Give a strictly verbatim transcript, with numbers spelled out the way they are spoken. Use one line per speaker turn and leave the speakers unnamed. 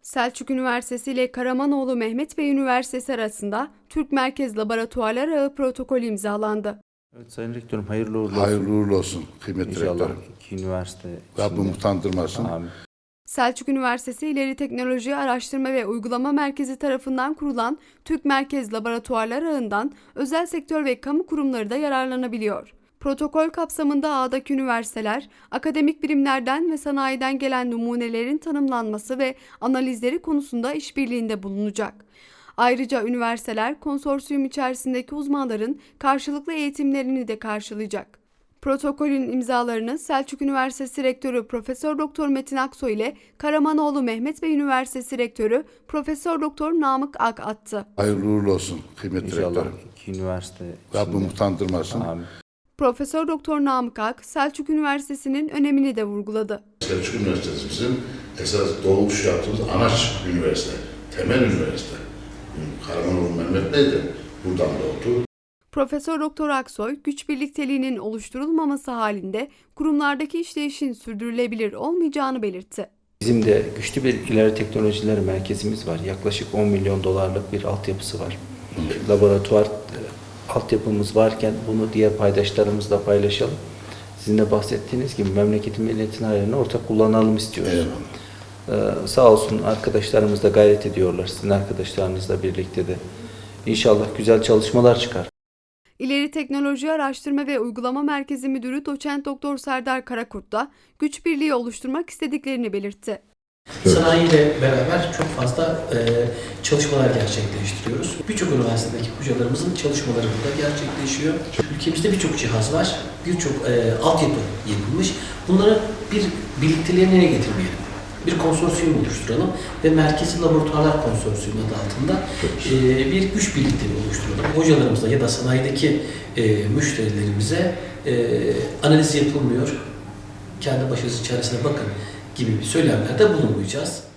Selçuk Üniversitesi ile Karamanoğlu Mehmet Bey Üniversitesi arasında Türk Merkez Laboratuvarlar Ağı protokolü imzalandı.
Evet Sayın Rektörüm, hayırlı uğurlu olsun.
Hayırlı uğurlu olsun kıymetli
İnşallah
rektörüm.
iki üniversite
Rabbim
içinde.
utandırmasın.
Amin.
Selçuk Üniversitesi İleri Teknoloji Araştırma ve Uygulama Merkezi tarafından kurulan Türk Merkez Laboratuvarlar Ağı'ndan özel sektör ve kamu kurumları da yararlanabiliyor. Protokol kapsamında ağdaki üniversiteler, akademik birimlerden ve sanayiden gelen numunelerin tanımlanması ve analizleri konusunda işbirliğinde bulunacak. Ayrıca üniversiteler konsorsiyum içerisindeki uzmanların karşılıklı eğitimlerini de karşılayacak. Protokolün imzalarını Selçuk Üniversitesi Rektörü Profesör Doktor Metin Aksoy ile Karamanoğlu Mehmet Bey Üniversitesi Rektörü Profesör Doktor Namık Ak attı.
Hayırlı uğurlu olsun kıymetli
İnşallah
rektörüm.
iki üniversite içinde.
Rabbim utandırmasın.
Amin.
Profesör Doktor Namık Ak, Selçuk Üniversitesi'nin önemini de vurguladı.
Selçuk Üniversitesi bizim esas doğmuş yaptığımız anaç üniversite, temel üniversite. Karamanoğlu Mehmet Bey de buradan doğdu.
Profesör Doktor Aksoy, güç birlikteliğinin oluşturulmaması halinde kurumlardaki işleyişin sürdürülebilir olmayacağını belirtti.
Bizim de güçlü bir ileri teknolojiler merkezimiz var. Yaklaşık on milyon dolarlık bir altyapısı var. Laboratuvar altyapımız varken bunu diğer paydaşlarımızla paylaşalım. Sizin de bahsettiğiniz gibi memleketin milletin hayrına ortak kullanalım istiyoruz.
Evet.
Ee, sağ olsun arkadaşlarımız da gayret ediyorlar. Sizin arkadaşlarınızla birlikte de. İnşallah güzel çalışmalar çıkar.
İleri Teknoloji Araştırma ve Uygulama Merkezi Müdürü Doçent Doktor Serdar Karakurt da güç birliği oluşturmak istediklerini belirtti.
Sanayi ile beraber çok fazla e, çalışmalar gerçekleştiriyoruz. Birçok üniversitedeki hocalarımızın çalışmaları burada gerçekleşiyor. Ülkemizde birçok cihaz var, birçok e, altyapı yapılmış. Bunları bir birlikteliğe nereye getirmeyelim? Bir konsorsiyum oluşturalım ve Merkezi Laboratuvarlar Konsorsiyumu adı altında e, bir güç birlikteliği oluşturalım. Hocalarımızla ya da sanayideki e, müşterilerimize e, analiz yapılmıyor, kendi başınızın çaresine bakın gibi bir söylemlerde bulunmayacağız.